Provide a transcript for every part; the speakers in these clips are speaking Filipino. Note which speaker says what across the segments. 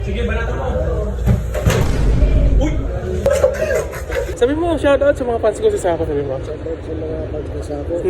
Speaker 1: Sige, banatan mo. Uy! Sabi mo, shoutout sa mga fans ko sa Sako, sabi mo.
Speaker 2: Shoutout sa mga fans ko sa ako.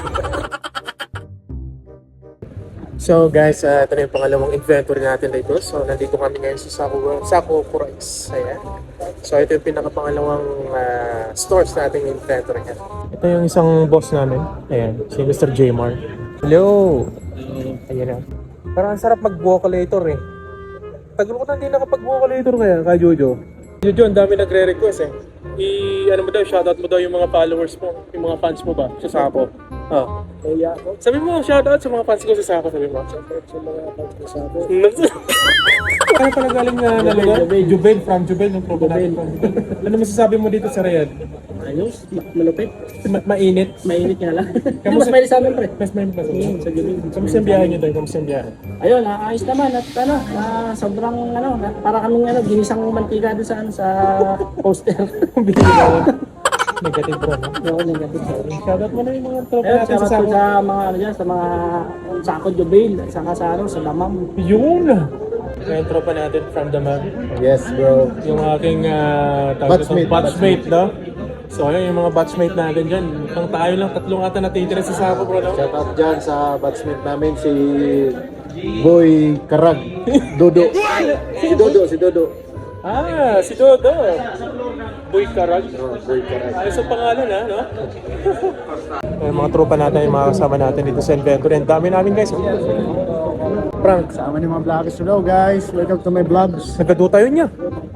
Speaker 1: So guys, ito na yung pangalawang inventory natin dito. So nandito kami ngayon sa Sako Price. Ayan. So ito yung pinakapangalawang stores nating inventory niya. Ito yung isang boss namin. Ayan, si Mr. Jmar. Hello! Ayan na. Parang ang sarap mag-vocalator eh. Tagal ko na hindi nakapag-vocalator kaya, ka Jojo. Jojo, ang dami nagre-request eh. Ano mo daw, shoutout mo daw yung mga followers mo, yung mga fans mo ba sa Sako. Oh.
Speaker 2: Kaya ako.
Speaker 1: Sabi mo, shoutout sa mga fans ko sa Sako, sabi mo.
Speaker 2: Shoutout sa mga fans ko sa ako.
Speaker 1: Kaya pala galing na nalaga? Juben, from Juben, yung program natin from Juben. Ano masasabi mo dito sa Riyadh?
Speaker 2: Ayos, malupit.
Speaker 1: Mainit.
Speaker 2: Mainit nga lang.
Speaker 1: Kamusta-
Speaker 2: Mas mainit sa amin, pre.
Speaker 1: Mas mainit na
Speaker 2: Sa gabi.
Speaker 1: Kamusta yung biyahe nyo tayo? Kamusta yung biyahe?
Speaker 2: Ayun, ayos naman at sobrang para kaming ginisang mantika doon sa poster.
Speaker 1: Negative bro.
Speaker 2: Oo, negative.
Speaker 1: Shoutout mo na yung mga tropa
Speaker 2: Ayun,
Speaker 1: natin sa
Speaker 2: shoutout
Speaker 1: Sako.
Speaker 2: sa mga sa mga Sako Jubail, saka sa sa Damam.
Speaker 1: Yun! Yung tropa natin from the map.
Speaker 3: Yes, bro.
Speaker 1: Yung aking batchmate, no? So ayun, yung mga batchmate natin dyan. Ang tayo lang, tatlong ata natitira sa Sako, bro, no?
Speaker 3: Shout out dyan sa batchmate namin si Boy Karag. Dodo. Si Dodo.
Speaker 1: Ah, si Dodo. Boy Karag.
Speaker 3: Oh, Boy Karag.
Speaker 1: Ayos ang pangalan, ha, no? Yung mga tropa natin, yung mga kasama natin dito sa inventory. Ang dami namin, guys. Frank,
Speaker 3: Sama ni mga vloggers. Hello guys, welcome to my vlogs.
Speaker 1: nagkado tayo niya.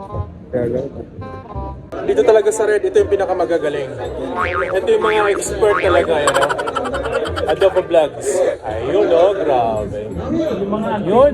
Speaker 1: Dito talaga sa Red, ito yung pinakamagagaling. Ito yung mga expert talaga, yan, no? Adobo Vlogs. Ayun, oh, grabe. Yun.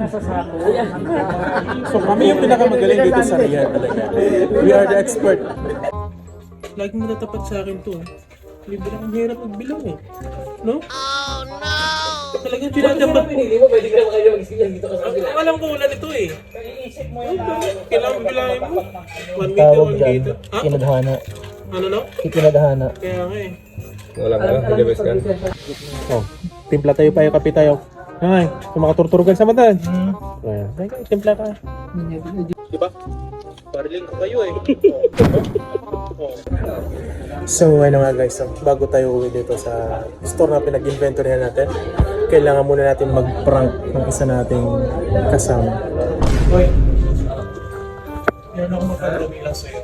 Speaker 1: So kami yung pinakamagaling dito sa Riyadh talaga. We are the expert. Laging matatapat sa akin to. Libre ang hirap magbilang eh. No? Oh no! Talagang pinatapat ko.
Speaker 2: Pinili mo, pwede ka naman kayo magsilang dito ka sa
Speaker 1: Ang alam ko wala nito eh.
Speaker 2: Iisip mo yun.
Speaker 1: Kailangan bilangin mo. 1 meter, 1 meter. Ha?
Speaker 2: Kinadhana.
Speaker 1: Ano no?
Speaker 2: Kinadhana.
Speaker 1: Kaya nga eh.
Speaker 3: Wala ka, nilabas ka.
Speaker 1: Oh, timpla tayo pa yung kape tayo. Ay, yung mga turturugan sa mata. Ayan, timpla ka. Diba? Pariling ko kayo eh. So, ano nga guys, bago tayo uwi dito sa store na pinag-inventory natin, kailangan muna natin mag-prank ng isa nating kasama. Hoy, meron ako magka-drawing lang sa'yo.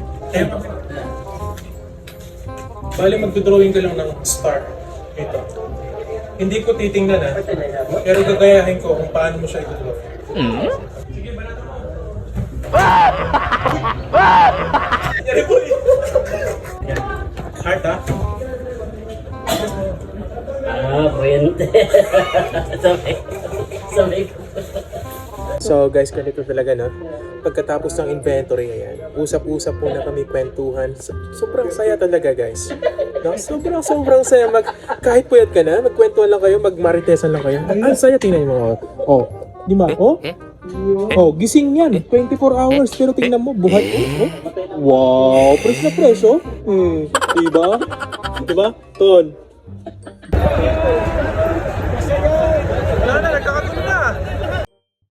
Speaker 1: Bali, mag-drawing ka lang ng star. Ito. Hindi ko titingnan pero gagayahin ko kung paano mo siya i-draw. Sige, banatan mo. Yari po eh. Heart ha?
Speaker 2: Puwente. Sabay ko.
Speaker 1: So guys, ganito talaga no. Pagkatapos ng inventory, ayan, usap-usap po na kami, kwentuhan. Sobrang saya talaga guys. No? Sobrang saya. Kahit puyat ka na, magkwentuhan lang kayo, magmaritesan lang kayo. Ang saya, tingnan mo. Oh, di ba? Oh, gising yan. 24 hours, pero tingnan mo, buhay. Oh. Wow, fresh na fresh, oh. Diba? Diba? Ton.